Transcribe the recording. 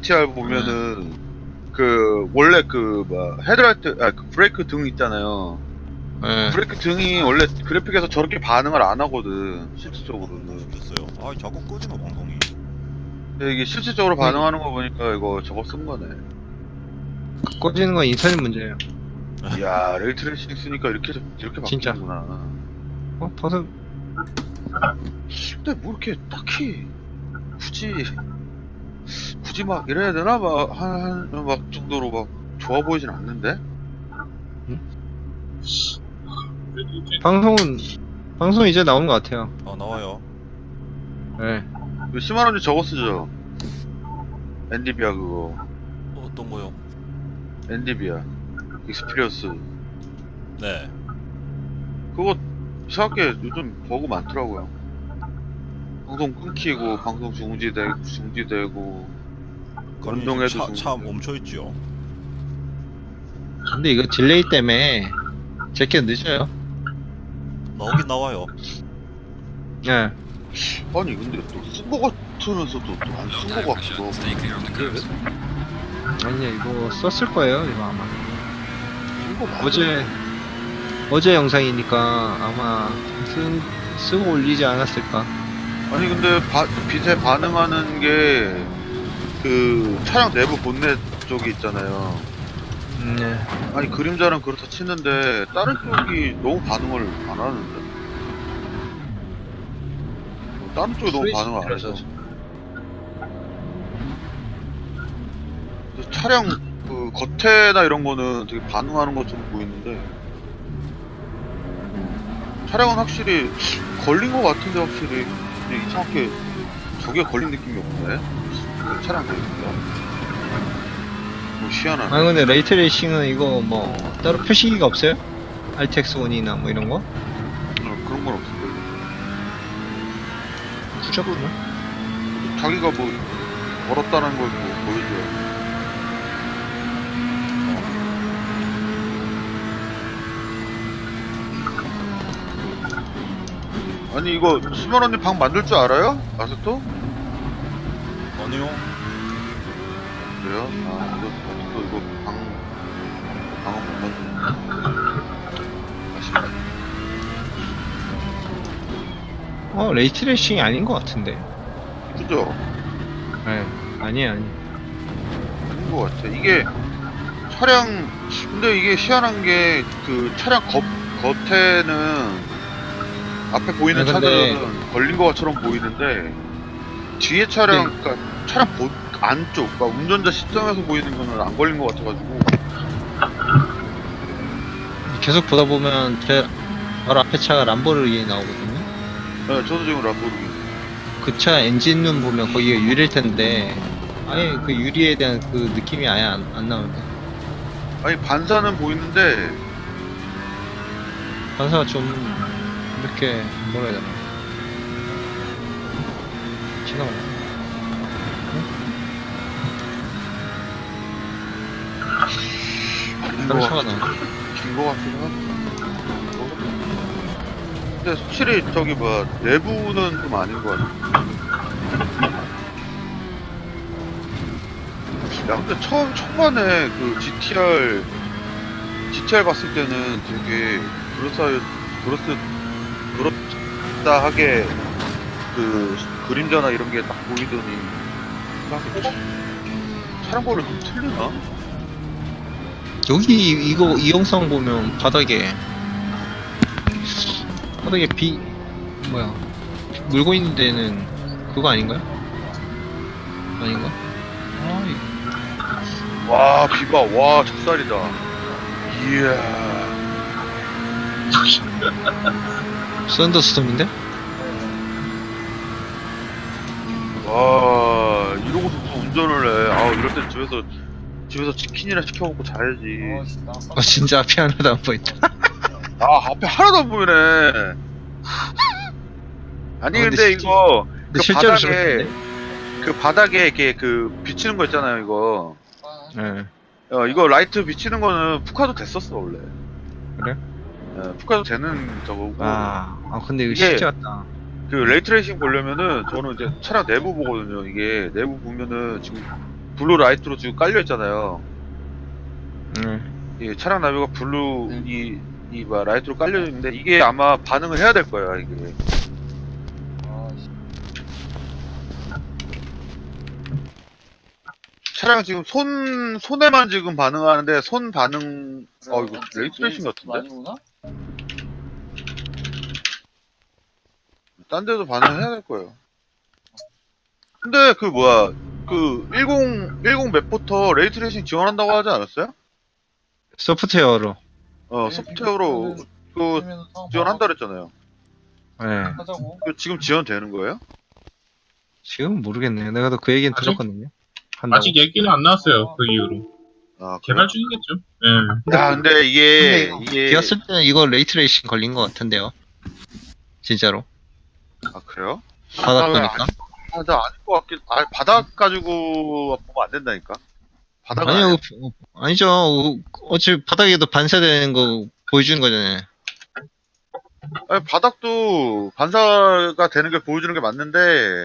GTR 보면은 그 원래 그 뭐 헤드라이트 그 브레이크 등 있잖아요. 예. 브레이크 등이 원래 그래픽에서 저렇게 반응을 안 하거든 실질적으로는. 됐어요. 아 자꾸 꺼지나 방송이. 근데 이게 실질적으로 반응하는 거 보니까 이거 저거 쓴 거네. 꺼지는 건 인터넷 문제예요. 이야 레이트레이싱 쓰니까 이렇게 진짜. 바뀌는구나. 버섯 근데 뭐 이렇게 딱히 굳이 막 이래야 되나 막 정도로 막 좋아 보이진 않는데. 방송 이제 나오는 것 같아요. 아 나와요. 예. 그 10만 원짜리 저거 쓰죠. 엔디비아 그거. 어떤 거요? 엔디비아 익스피리언스 네. 그거 이상하게 요즘 버그 많더라고요. 방송 끊기고 방송 중지되고 운동해도 차 멈춰있지요. 근데 이거 딜레이 때문에 제게 늦어요. 나오긴 나와요. 예. 아니 근데 또 쓴 거 같으면서도 또 안 쓴 거 같기도 하고. 아니 이거 썼을 거예요 이거 아마. 쓴거 맞아? 어제 영상이니까 아마 쓰고 올리지 않았을까. 아니 근데 빛에 반응하는 게 그 차량 내부 본넷 쪽이 있잖아요. 네. 아니 그림자는 그렇다 치는데 다른 쪽이 너무 반응을 안 하는데. 다른 쪽이 너무 반응을 안 해서. 그래서 차량 그 겉에나 이런 거는 되게 반응하는 것처럼 보이는데 차량은 확실히 걸린 것 같은데 확실히 근데 이상하게 저게 걸린 느낌이 없네. 그 차량 걸리니까 뭐 희한하네. 아 근데 레이트레이싱은 이거 뭐 따로 표시기가 없어요? RTX1이나 뭐 이런 거? 그런 건 없을 거예요. 굳었구나. 자기가 뭐 걸었다는 걸 뭐 보여줘요. 아니 이거 10만 원님 방 만들 줄 알아요? 아세토? 아니요. 그래요? 아 이거 방은 못 만드네. 아쉽네. 레이트레이싱이 아닌 것 같은데. 그죠? 예. 아니에요. 아닌 것 같아. 이게 차량 근데 이게 희한한 게 그 차량 겉에는 앞에 보이는 아, 근데- 차들은 걸린 것처럼 보이는데 뒤에 차량 네. 그러니까 차량 안쪽 그러니까 운전자 시점에서 보이는 거는 안 걸린 것 같아가지고. 계속 보다 보면 제 바로 앞에 차가 람보르기니 나오거든요. 네, 저도 지금 람보르기니. 그 차 엔진룸 보면 거기가 유리일 텐데 아예 그 유리에 대한 그 느낌이 아예 안 나오는데 아니 반사는 보이는데 반사가 좀 이렇게 뭐라 해야 되나 지나가네. 다른 차가 나와. 긴거 같기도 하고. 근데 확실히 저기 뭐야 내부는 좀 아닌 것 같아. 야 근데 초반에 그 GTR 봤을 때는 되게 그렇다하게 그 그림자나 이런 게 딱 보이더니 차량 번호 좀 틀리나? 여기 이 영상 보면 바닥에 뭐야 물고 있는 데는 그거 아닌가요? 아닌가? 와 비바 와 작살이다. 이야. 썬더스톰인데? 와 이러고서 또 운전을 해. 아 이럴 때 집에서 치킨이나 시켜 먹고 자야지. 진짜 앞이 하나도 안 보인다. 아 앞에 하나도 안 보이네. 아니 근데 이거 근데 실제로 그 바닥에 이렇게 그 비치는 거 있잖아요 이거. 예. 이거 라이트 비치는 거는 푸카도 됐었어 원래. 그래? 푸카도 되는 저거고. 근데 이거 이게- 실제 같다. 그 레이트레이싱 보려면은 저는 이제 차량 내부 보거든요. 이게 내부 보면은 지금 블루 라이트로 지금 깔려 있잖아요. 음. 이 차량 나비가 블루 뭐 라이트로 깔려 있는데 이게 아마 반응을 해야 될 거예요. 이게. 차량 지금 손에만 지금 반응하는데 손 반응 이거 레이트레이싱 같은데? 딴 데도 반응해야 될 거예요. 근데 그 뭐야 그 10 맵부터 레이트레이싱 지원한다고 하지 않았어요? 소프트웨어로. 소프트웨어로 그 지원한다 그랬잖아요. 네. 그 지금 지원되는 거예요? 지금 모르겠네요. 내가 또 그 얘기는 아직- 들었거든요. 한다고. 아직 얘기는 안 나왔어요. 그 이후로. 아, 개발 중이겠죠. 예. 야, 근데 이게 비었을 때는 이거 레이트레이싱 걸린 것 같은데요. 진짜로. 아, 그래요? 바닥 왜 보니까. 나 아닐 것 같긴. 바닥 가지고 보면 안 된다니까. 바닥은 아니요, 아니죠. 어차피 바닥에도 반사되는 거 보여주는 거잖아요. 바닥도 반사가 되는 게 보여주는 게 맞는데